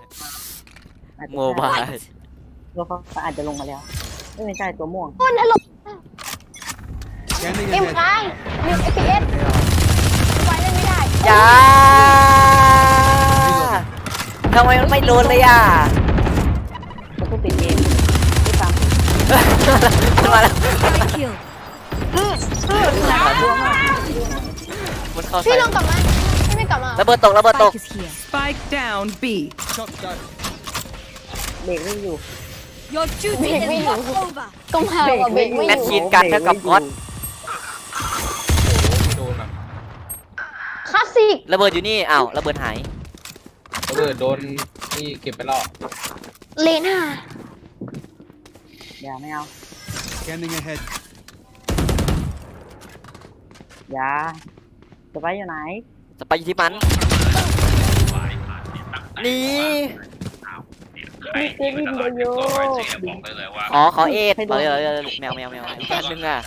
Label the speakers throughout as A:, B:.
A: โมบาย
B: ตัวเขาอาจจะลงมาแล้วไม่ใช่ตัวม่วง
C: คนถล่ม
D: Scanning
C: เอ็ม
D: ahead.
C: ค้าง1 FPS ไว้เล่นไม่ได้
A: จ้าทำไมมันไม่โดนเลยอ่ะ
B: เขาก็ปิดเกมที่ตาม
A: มันมาแล้ว
E: Kill.
A: มันเข้า
C: พี่
A: ใส่
C: ลองกลับมาพี่ไม่กลับมา
A: ระเบิดตกระเบิดตก
E: Spike is here.
F: Spike down B.
D: Shot down.
B: เบรกไม่อยู่
E: Your duty is not over.
C: ก็มากับเบรกไม่
A: แม
C: อ
A: ช
C: ยู่
A: ชีนกันเท่ากับก๊อต
G: โดนแบบ
C: คลาสสิก
A: ระเบิดอยู่นี่อ้าวระเบิดหาย
G: ระเบิดโดนนี่เก็บไปแล้ว
C: เลน่า
B: อย่าไม่เอา
D: Scanning ahead.
B: อย่าจะไปอยู่ไหน
A: จะไปอยู่ที่มันนี่
B: เกมวินโดโย
A: อ๋อเขาเอ็ดบอกเลยแมวอันนึงอ่ะ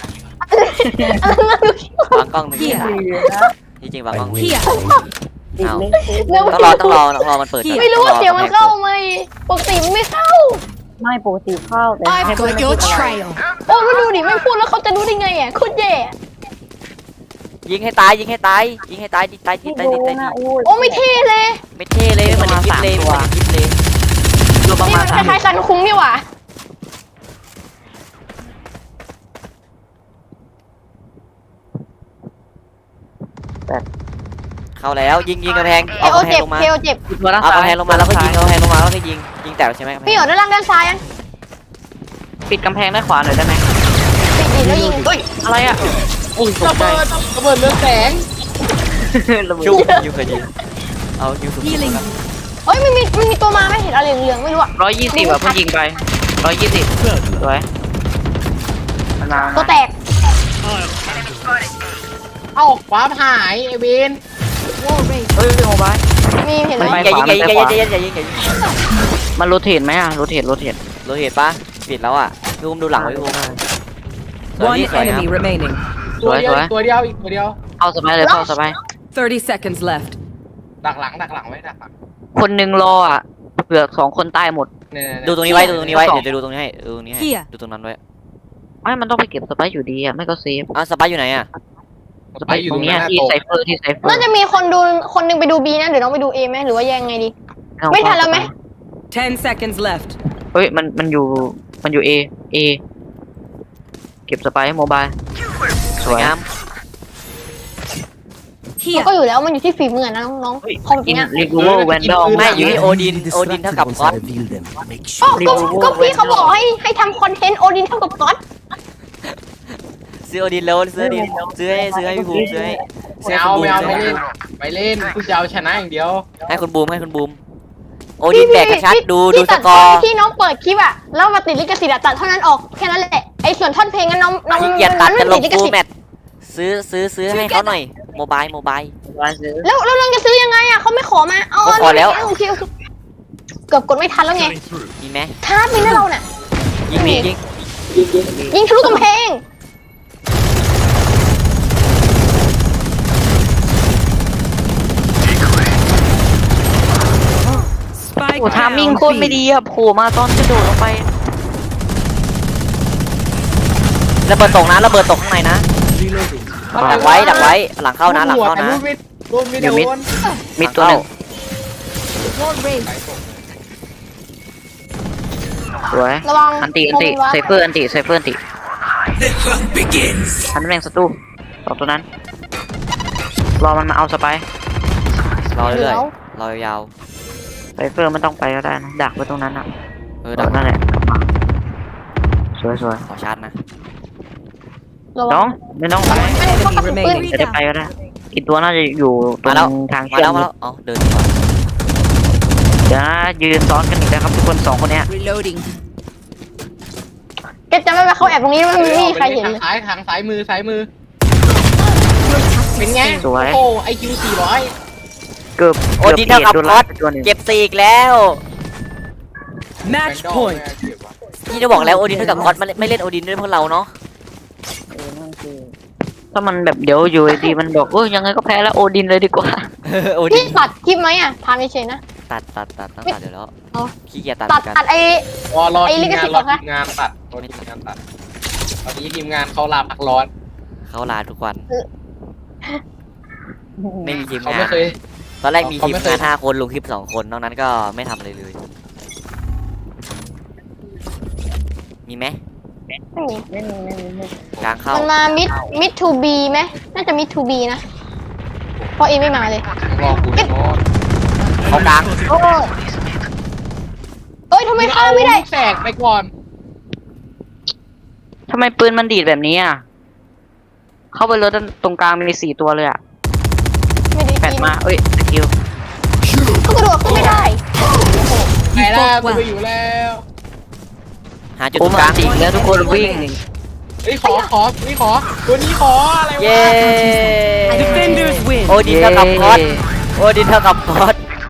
A: วางกล้องหนึ่ง
E: Here.
A: จริงๆวางกล้อง
E: Here.
B: ติด
A: อ้าว
B: เลย
A: ต้องรอมันเปิด
C: ไม่รู้ว่าเสียงมันเข้าไหมปกติมันไม่เข้า
B: ไม่ปกติเข้าแต่
E: I've got your trail.
C: โอ้มาดูดิไม่พูดแล้วเขาจะรู้ได้ไงอ่ะโคตรแย่
A: ยิงให้ตายยิงให้ตายยิงให้ตายตาย
B: ที่
A: ตาย
B: ดู
A: ตาย
B: นะอู้
C: โอ้ไม่เท่เลย
A: ไม่เท่เลยไม่เหมือนในคลิปเลยไม่เหมือนในคลิปเลยรวมประ
C: นี่
A: มาณ
C: มันคล้ายๆซันคุ้งนี่หว่า
A: เข้าแล้วยิงกระแพง
C: เค
A: เอา
C: โอก
A: ระแพ
C: เจ็
A: ง
C: บ
A: ลงมา
C: เคโอเจ็บ
A: เอากระแพงลงมาแล้วก็ยิงเอากระแพงลงมาแล้วก็ยิงแตกใช่ไหม
C: พี่หยอด้านล่างด้านซ้ายยัง
B: ปิดกำแพงด้านขวาหน่อยได้ไหม
C: ปิดดิแล้วยิง
B: อะไรอ่ะอุ้ยตกใจ
G: ระเบิดเรืองแสง
A: ชุบยิงเคยยิงเอายิงสุด
E: Healing.
C: เฮ้ยมันมีตัวมาไม่เห็นอะไรเหลืองๆไม่รู้อะ
B: 120อ่ะเพิ่งยิงไป120สวยมันมา
C: ตัวแตก
G: เอ้าฟ้าหายไอเวน
E: Wall raised.
B: เฮ้ยโมบาย
C: มีเห็นไหม
A: อย่ายิงอย่ายิง
B: มันโรเทตไหมอ่ะโรเทต
A: เราเห็นปะปิดแล้วอ่ะดูหลังไว้ดู
F: One enemy remaining.
G: ตัวเดียวอีกตัวเดียวอีกตัวเดียว
B: เอาสบายเลยเข้าสบาย
F: 30 seconds left.
G: ดักหลังไว้ดักหลัง
B: คนหนึ่งรออ่ะเผื่อ2 คนตายหมด
G: เนี่ย
A: ดูตรงนี้ไว้เดี๋ยวจะดูตรงนี้ให้ดูตรงนี้ให้
E: Here.
A: ดูตรงนั้นไว้
B: ไม่มันต้องไปเก็บสไปซ์อยู่ดีอ่ะไม่ก็เซฟ
A: อ้าวสปายอยู่ไหนอ่ะ
B: สไปซ์อยู่ตรงเนี้ยที่ไซเฟอร์
C: น่าจะมีคนหนึงไปดูบีนะเดี๋ยวน้องไปดูเอไหมหรือว่ายังไงดี ไม่ทันแล้วไหม
F: 10 seconds left.
B: เฮ้ยมันอยู่เอเก็บสไปซ์โมบายส
A: ส
B: ว
A: วย
B: ย
A: งาม
C: มันก็อยู่แล้วมันอยู่ที่ฝีมือนะน้องๆคอมแบบ
B: กิน
C: เนี้ย
B: รีกูเวอร์แวนดอล
A: ไม่อยู่ที่โอดินเท่ากับก๊อต
C: อ๋อก็พี่เขาบอกให้ทำคอนเทนต์โอดินเท่ากับก๊อต
A: ซื้อโอดินแล้วซื้อดินซื้อให้พี่ภูมิซื้อให้
G: ไม่เอาไม่เล่นกูจะเอาชนะอย่างเดียว
A: ให้คุณบูมโอดินแบกกระชัดดูสกอร์
C: ที่น้องเปิดคลิปอะแล้วมาติดลิขสิทธิ์อะตัดเท่านั้นออกแค่นั้นแหละไอ้ส่วนท่อนเพลงนั้นน้อง
A: ขี้เกียจตัดจะลง
C: ติดลิข
A: ฟู
C: สิท
A: แม
C: ธิ์
A: ทซื้อให้เขาหน่อยโมบาย
C: แล้วเราจะซื้อยังไงอะเขาไม่ขอมาเอา
A: เขาขอแล้ว
C: โอเคเกือบกดไม่ทันแล้วไง
A: มีไหม
C: ท้าไปนะเราเนี่ย
A: ยิง
C: ทะลุกำแพง
F: Spike
B: โอ้ทามิ่ง
F: down
B: โคตรไม่ดีอ่ะโผล่มาตอนกระโดดลงไป
A: ระเบิดตกนะระเบิดตกข้างในนะดักไว้หลังเข้านะหลังเข้านะ
G: โดนไม่โดน
B: มิดตัวหนึ่ง
E: Wall raised.
B: สวย
C: ระวัง
B: อันติไซเฟอร์อันติทันแม่งสตูสองตัวนั้นรอมันมาเอาสไปร์
A: รอเรื่อยรอยาว
B: ไซเฟอร์มันต้องไปก็ได้นะดักไว้ตรงนั้นอ่ะ
A: ดัก
B: นั่นแหละกลับมาสวย
A: ขอชาร์จนะ
C: ระวั
B: น้อง งไม่ต้องไป
C: เขากระสุนปืน
B: จะได้ไปก็ได้อีกตัวน่าจะอยู่ตรงทาง
A: มา
B: เชื่อ
A: แล้ว
B: ม
A: อ๋อเดินก่อน
B: เดี๋ยวนะยืนซ้อนกันอีกนะครับทุกคน2 คนเนี้ย
E: Reloading.
C: แกจำได้ไหมเขาแอบตรงนี้แล้วมันไม่มีใครเห็นเลย
G: ทางซ้ายมือเป็นไงโอ้ไอคิว400
B: เกือบ
A: โอดินเท่ากับก๊อต
B: ตัวหนึ่ง
A: เก็บ4อีกแล้ว
F: Match point.
A: นี่จะบอกแล้วโอดินเท่ากับก๊อตไม่เล่นโอดินด้วยพวกเราเนาะ
B: ถ้ามันแบบเดี๋ยวอยู่ดีมันบอกยังไงก็แพ้แล้วโอดินเลยดีกว่า
A: โอดิ
C: พี่
A: น
C: ตัดคลิปไหมอ่ะถามเฉยๆนะ
A: ตัดต้องตัดเดี๋ยวแล้ว
C: เอา
A: ขี้เกียจตัด
C: ตัด
A: กัน
C: ตัดไอ้
G: รอ
C: ไอ้
G: ที
C: ลิ
G: ม
C: ข
G: งา
C: สิ
G: น
C: ทธิ์
G: รอ
C: เหรอคะ
G: ทีมงานตัดรอทีมงานตัดตอนนี้ทีมงานเขาลาพักร้อน
A: เขาลาทุกวัน ไม่มีทีม
G: เขา
A: งา
G: ไม่
A: น
G: เคย
A: ตอนแรกมี
G: เขา
A: ทีม
G: ไม่เค
A: งาย น5 คนลงคลิป 2 คนนอกนั้นก็ไม่ทำอะไรเลย มีไหม
C: ไม่มี
A: กลางเข้า
C: มันมามิดทูบีไหมน่าจะมิดทูบีนะเพราะเอไม่มาเลย
G: รอกูนอน
A: เขากลาง
C: โอ้ยเอ้ยทำไมฆ่าไม่ได้
G: ลูกแตกไปก่อน
B: ทำไมปืนมันดีดแบบนี้อ่ะ เข้าไปรถตรงกลางมี4 ตัวเลยอ่ะ
C: ไม่ได้
B: แปด
C: กิน
B: มาเอ้ยสกิล
C: ก็กระโดดขึ้นไม่ได้
G: ไหนล่ะกูไปอยู่แล้ว
A: หาจุด
B: โอ้
A: ตรงก
B: มา
A: ลาง
B: จริงแล้วทุกคนวิ่ง
G: เฮ้ยขอตัวนี้ขออะไรวะ
A: เย้
F: Defenders win.
A: โอดินเท่ากับพอดโอดินเท่ากับพอด